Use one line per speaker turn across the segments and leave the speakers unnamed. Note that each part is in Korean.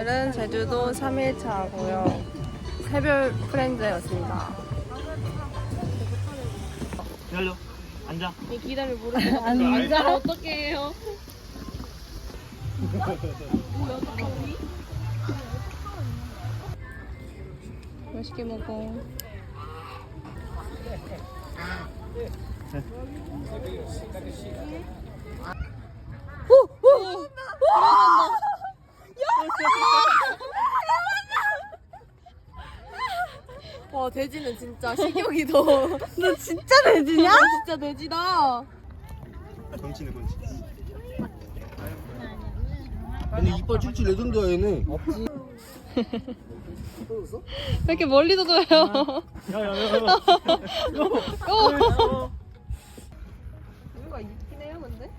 오늘은 제주도 3일차고요. 새별 프렌즈였습니다.
기다려. 앉아.
기다려 모르겠어.
앉아. 어떻게 해요?
맛있게 먹어. 와 돼지는 진짜 식욕이 더. 너 진짜 돼지냐? 진짜 돼지다.
건치네 건치.
근데 이빨 쭉쭉 내던데 얘는.
왜 이렇게 멀리서 둬요?
야야야야.
뭔가 있긴 해요 근데?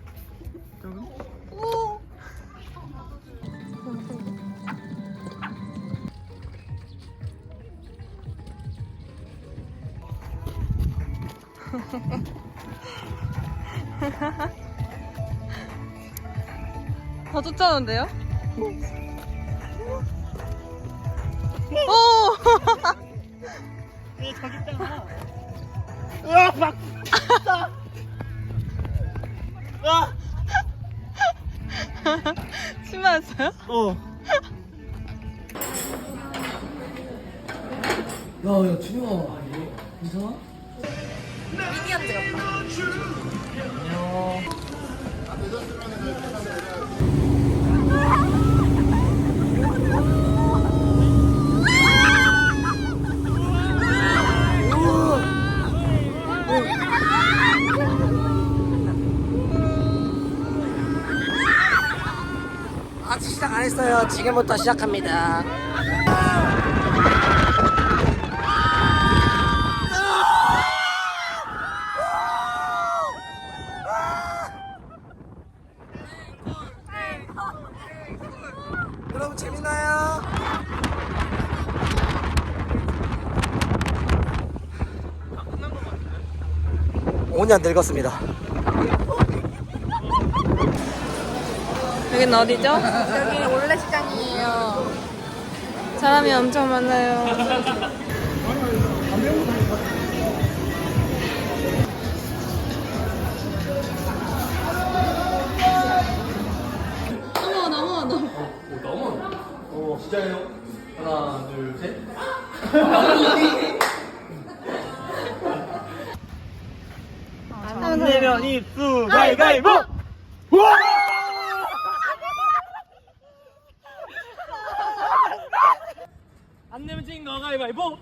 더 쫓아오는데요? 오!
얘 저기 있잖아. 으악 막. 으악.
심하였어요?
어.
야야 준영아. 이상아?
미니언즈 같다.
아직 시작 안 했어요. 지금부터 시작합니다. 여러분 재밌나요? 오 년 늙었습니다.
여긴 어디죠?
여기 원래 시장이에요.
사람이 엄청 많아요.
진짜예요? 하나, 둘, 셋.
안 내면 입수 가위가위보. 우와! 안 내면 찐 거 가위바위보.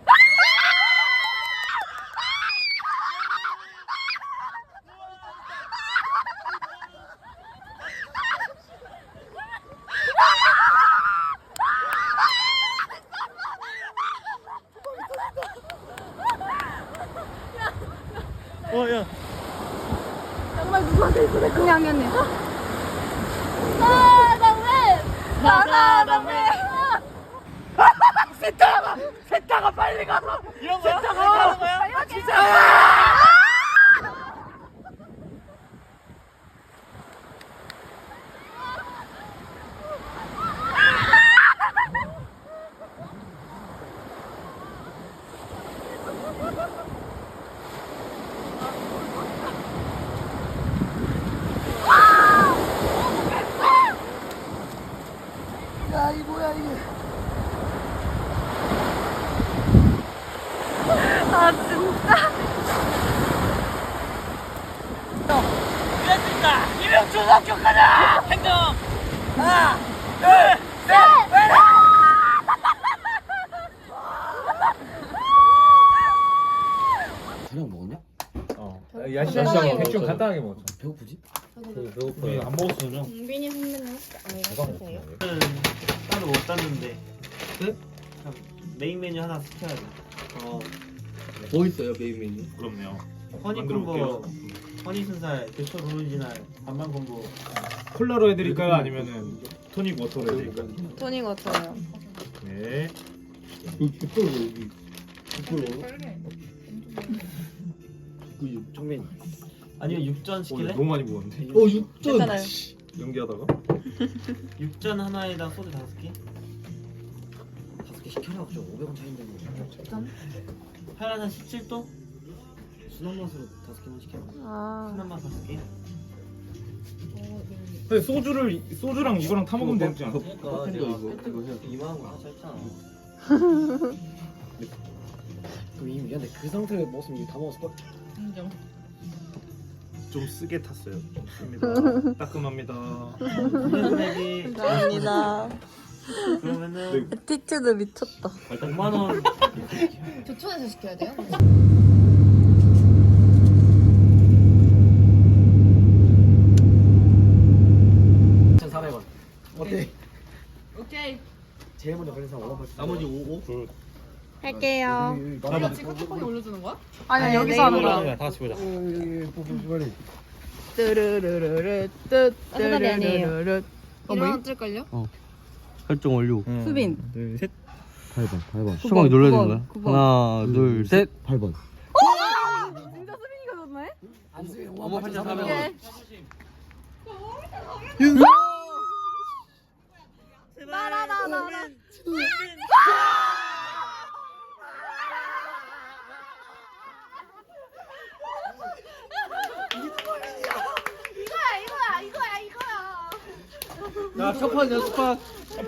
야.
정말 누구한테 있어? 그냥 하겠네. 나나나왜
세타가 빨리 가서 이런 거야? 세타가 하는 거야? 진짜.
야, 이 뭐야 이게?
아 진짜.
됐습니다. 이명 초등학교 가자. 행정. 하나, 둘, 셋.
저녁 먹었냐?
야시장 대충 간단하게 먹었죠.
배고프지?
우리 안 먹었어요.
공빈이 선배는
누가 먹었어요?
따로 못 땄는데.
네?
메인 메뉴 하나 시켜야 돼.
뭐 있어요 메인 메뉴?
그럼요.
허니콤보, 허니순살, 대초 오리지널, 반반 콤보.
콜라로 해드릴까요? 아니면은 토닉 워터로 해드릴까요?
토닉 워터요.
네.
여기 깃털 여기 깃털 그 정면.
아니면 육전 시킬래?
너무 많이 먹었는데.
육전.
괜찮아요.
연기하다가.
육전 하나에다 소주 5개?
이렇게 시켜라. 저 500원 차인데 뭐.
하나 17도?
순한 맛으로 5개만 시켜.
하나만 5개.
근데 소주랑 이거랑 타 먹으면 되지 않아?
그러니까
내가
이거 해야
2만 원 하자 했잖아.
그럼 이미 근데 그 상태로 먹었으면 이거 다 먹었을 걸.
좀 쓰게 탔어요. 좋습니다. 따끔합니다.
금액이
감사합니다.
그러면은
티츠도 미쳤다.
5만 원.
조촌에서 시켜야 돼요?
1,400원. 어때?
오케이.
제일 먼저 걸린 사람 5만 8천.
나머지 5.
할게요.
이거 지금 톡톡이 올려주는 거야?
아니야, 여기서 하는 거야.
다 같이 보자.
빨리.
뜨르르르르
아니, 아니에요.
뜨르르르르.
일어나 뜰걸요?
설정 완료.
수빈.
8번. 수박이 눌러야 되는 거야?
9번.
하나, 둘, 셋. 8번.
진짜 수빈이가 졌네?
안수빈 5만
어머,
8,400원.
오케이. 나라라라라.
야, 첫판 연습판.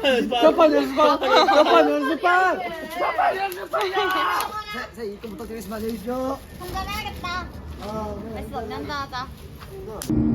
자, 입금 부탁드리겠습니다. 안녕히 계십시오.
한잔 해야겠다. 됐어, 한잔 하자.